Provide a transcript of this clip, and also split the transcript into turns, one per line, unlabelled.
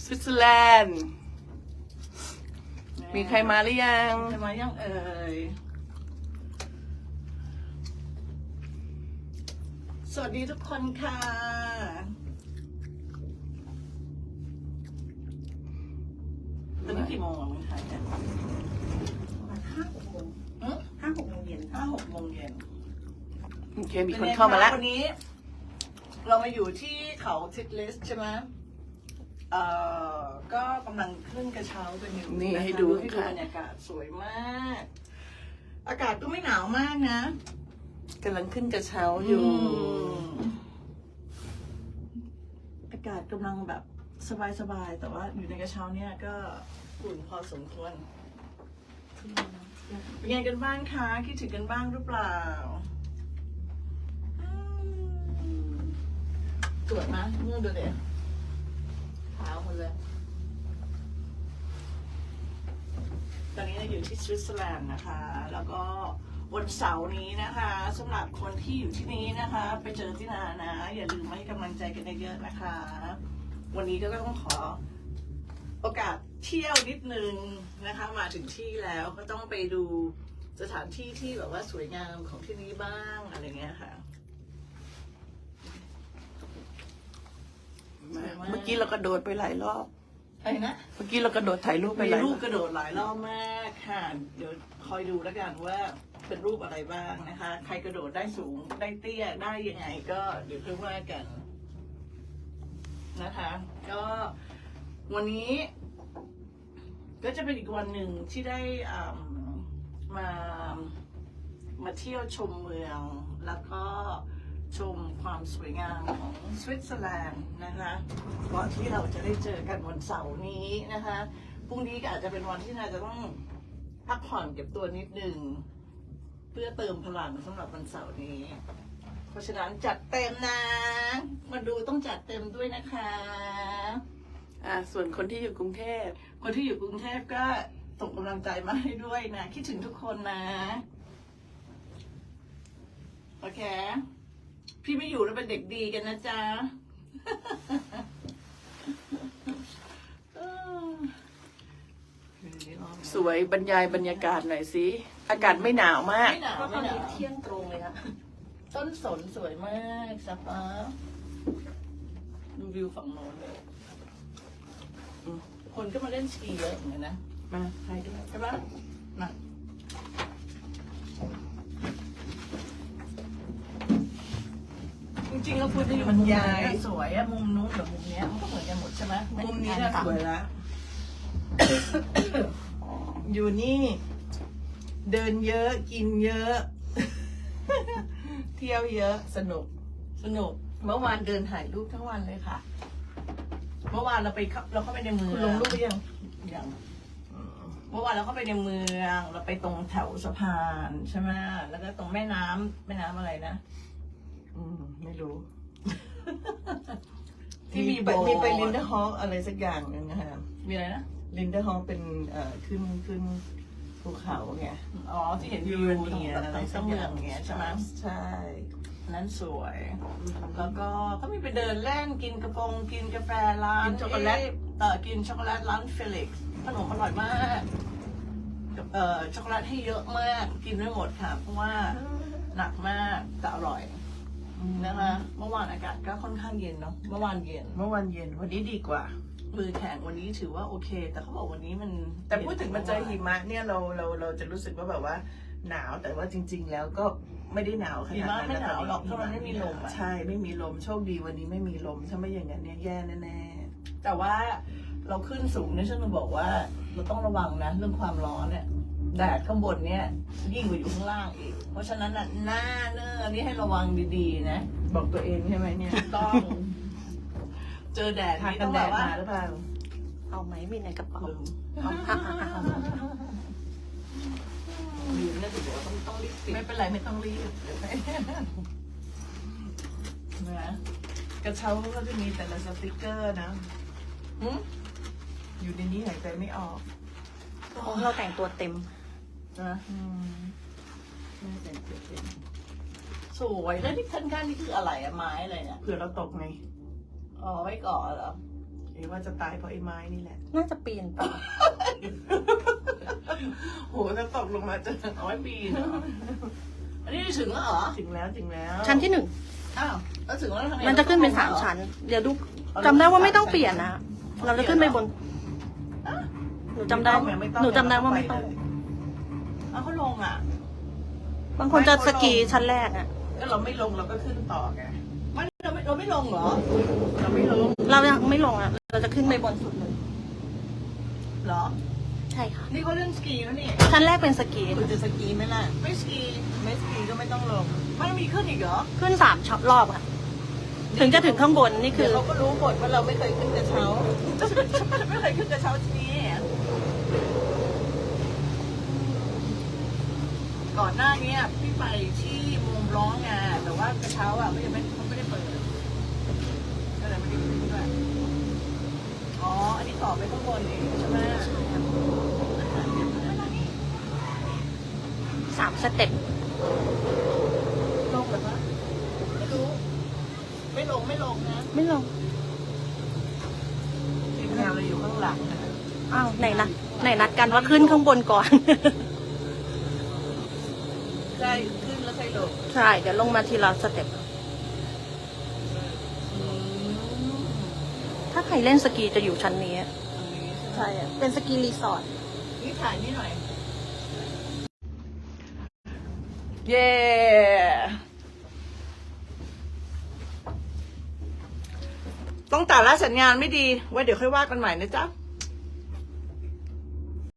วิตเซอร์แลนด์มีใครมาหรือยัง
ใครมายังเอ่ยสวัสดีทุกคนค่ะตอนนี้กี่โมงอ่ะเมืองไทยเนี่ย
ประมาณ5-6 โมง 5-6 โมงเย็น
5-6 โมงเย็น
โอเคมีคนเข้ามาแล้ว
วันนี้ เรามาอยู่ที่เขาทิดลิสใช่ไหมก็กำลังขึ้นกระเช้ากันอยู่
นี่
นะคะ
ให้ดู
ให้ดู
ค่ะ
บรรยากาศสวยมาก อากาศก็ไม่หนาวมากนะ
กำลังขึ้นกระเช้าอยู่
อากาศกำลังแบบสบายๆ แต่ว่าอยู่ในกระเช้าเนี่ยก็อุ่นพอสมควรเป็นไงกันบ้างคะคิดถึงกันบ้างหรือเปล่าตรวจมั้ยเมื่อดูเด็กขาวหมดเลย ตอนนี้เราอยู่ที่สวิตเซอร์แลนด์นะคะ แล้วก็วันเสาร์นี้นะคะสำหรับคนที่อยู่ที่นี้นะคะ ไปเจอที่นานะ อย่าลืมมาให้กำลังใจกันเยอะๆนะคะ วันนี้ก็ต้องขอโอกาสเที่ยวนิดนึงนะคะ มาถึงที่แล้วก็ต้องไปดูสถานที่ที่แบบว่าสวยงามของที่นี้บ้างอะไรเงี้ยค่ะ
เมื่อกี้เรากระโดดไปหลายรอบ
อะไรนะ
เมื่อกี้เรากระโดดถ่ายรูปไป
มี
หลายร
รู
อ
ป
บ
กระโดดหลายรอบมากค่ะ เดี๋ยวคอยดูแล้วกันว่าเป็นรูปอะไรบ้างนะคะ ใครกระโดดได้สูงได้เตี้ยได้ยังไงก็เดี๋ยวค่อยว่ากันนะคะ ก็วันนี้ก็จะเป็นอีกวันหนึ่งที่ได้มาเที่ยวชมเมืองแล้วก็ชมความสวยงามของสวิตเซอร์แลนด์นะคะก่อนที่เราจะได้เจอกันวันเสาร์นี้นะคะพรุ่งนี้ก็อาจจะเป็นวันที่น่าจะต้องพักผ่อนเก็บตัวนิดนึงเพื่อเติมพลังสำหรับวันเสาร์นี้ เพราะฉะนั้นจัดเต็มนะ มาดูต้องจัดเต็มด้วยนะคะ
ส่วนคนที่อยู่กรุงเทพ
คนที่อยู่กรุงเทพก็ส่งกำลังใจมาให้ด้วยนะ คิดถึงทุกคนนะ โอเค พี่ไม่อยู่แล้วเป็นเด็กดีกันนะจ๊ะ
สวยบรรยายบรรยากาศหน่อยสิอากาศไม่หนาวมาก
ไม่หนาว
ก็ต
ไม่
อน
หนา
นี้
ว
เที่ยงตรงเลยค่ะ
ต้นสนสวยมากสปาดูวิวฝั่งโน้นเลยคนก็มาเล่นสกีเยอะเหมือนกันนะ
มาถ่ายด้วย
ใช่ปะมาจริงๆเราควรจะอยู่มุมนี้สวยอะมุมนู้นกับมุมเนี้ยมันก็เหมือนกันหมดใช่ไหมมุมนี้น่ะสวยละอยู่นี่ เดินเยอะกินเยอะ เที่ยวเยอะสนุกเมื่อวานเดินถ่ายรูปทั้งวันเลยค่ะ เมื่อวานเราเข้าไปในเมือง
คุณลงรูปหรือยัง
ยังเมื่อวานเราเข้าไปในเมืองเราไปตรงแถวสะพานใช่ไหมแล้วก็ตรงแม่น้ำอะไรนะ
ไม่รู้
ที่มี
มีไปลินเดอร์ฮอลอะไรสักอย่างหนึงนะคะ
มีอะไรนะ
ลินเดอร์ฮอลเป็นขึ้นภูเขาไง
อ๋อที่เห็นวิวอย่างเงี้ยอะไรสักเมืองอย่างเงี้ยใช่ไหม
ใช่
นั้นสวย แล้วก็มีไปเดินเล่นกินกาแฟร้าน
กินช็อกโกแลต
กินช็อกโกแลตร้านเฟลิกซ์ขนมอร่อยมากช็อกโกแลตให้เยอะมากกินไม่หมดค่ะ เพราะว่าหนักมากแต่อร่อยนะคะเมื่อวานอากาศก็ค่อนข้างเย็นเนาะเมื่อวานเย็น
เมื่อวันเย็นวันนี้ดีกว่า
มือแข็งวันนี้ถือว่าโอเค แต่เขาบอกวันนี้มัน
แต่พูดถึงมาเจอหิมะเนี่ยเราจะรู้สึกว่าแบบว่าหนาวแต่ว่าจริง ๆ แล้วก็ไม่ได้หนาวข
หิ
นาด
มะ
นั้น
ไม่หนาวหรอก
ต
เพราะมันไม่มีลมอะ
ใช่ไม่มีลมโชคดีวันนี้ไม่มีลมถ้าไม่อย่างนั้นเนี่ยแย่แน่
แต่ว่าเราขึ้นสูงเนี่ยฉันจะบอกว่าเราต้องระวังนะเรื่องความร้อนเนี่ยแดดข้างบนเนี่ยยิ่งกว่าอยู่ข้างล่างอีก เพราะฉะนั้นน่ะหน้าเนื้ออันนี้ให้ระวังดีๆนะ
ๆบอกตัวเองใช่ไหมเนี่ย
ต้อง เจอแดด
ทา
นี่
กั
ต้
น
อง
แด
แบ
ด
บว่า
มาหรือเปล่า
เอาไหมมีในกระเป๋า
ลืม
เอา
ลืมนะถือว่าต้องรีบปิด
ไม่เป็นไรไม่ต้องรีบเดี๋ยวไป
นะ
กระเช้าก็จะมีแต่ละสติกเกอร์นะ
หึ
อยู่ในนี้หายใจไม่ออก
เราแต่งตัวเต็ม
นะ
ไม่แต่งเปลี่ยนเป็น
สวยแล้วที่ข้างๆนี่คืออะไรอะไม้อะไรเนี่ย
เผื่อเราตกไง
อ๋อไว้ก่อนเหรอ
โอเคนี่ว่าจะตายเพราะไอ้ไม้นี่แหละ
น่าจะปีนไป
โหถ้าตกลงมาจะเอาไว้ปีนเหรอ
อันนี้ถึงแล้วเหรอ
ถึงแล้วถึงแล้ว
ชั้นที่
อ้าวแล้วถึงแล้วทำไง
1มันจะขึ้นเป็น3 ชั้น เดี๋ยวดูจำได้ว่าไม่ต้องเปลี่ยนนะ เราจะขึ้นไปบน หนูจำได้ว่าไม่ต้อง
เอาเขาลงอ่ะ
บางคนจะสกีชั้นแรกอะ
ก็เราไม่ลงเราก็ขึ้นต่อไง
ไม่เราไม่ลงเหรอ
เราไม่ลง
เรายังไม่ลงอะเราจะขึ้นไปบนสุดเลย
เหรอ
ใช่ค่ะ
นี่เขาเล่นสกีแล้วนี่
ชั้นแรกเป็นสกี
คุณจะสกีไหมล่ะ
ไม่สกี
ไม่สกีก็ไม่ต้องลง
มันมีขึ้นอีกเหรอ
ขึ้น3 รอบอะถึงจะถึงข้างบนนี่คื
เดี๋ยว
อ
เขาก็รู้หมดว่าเราไม่เคยขึ้นกระเช้า
ไม่เคยขึ้นกระเช้าที่นี่ก่อนหน้านี้พี่ไปที่มุมร้องไงแต่ว่ากระเช้าอ่ะเขาไม่ได้เปิดก็เลยไม่ได้ขึ้นด้วยอ๋อ อันนี้ต่อไปข้างบนเองใช่ไหม
3 สเต็ป
ลงหรือปะไม่รู้ ไม่ลงนะ
ไม่ลง
ทีมงานเราอยู่ข้างหลังนะ
อ้าวไหนนัดกันว่าขึ้นข้างบนก่อน
ใช่ขึ้นแล้วค่อยลง
ใช่ เดี๋ยวลงมาทีละสเต็ป ถ้าใครเล่นสกีจะอยู่ชั้นนี้
ตรงนี้ใช่ไหม
ใช่อะเป็นสกีรีสอร์ท
นี่ถ่ายนี่หน่อย
เย้ต้องตัดละสัญญาณไม่ดี ไว้เดี๋ยวค่อยว่ากันใหม่นะจ๊ะ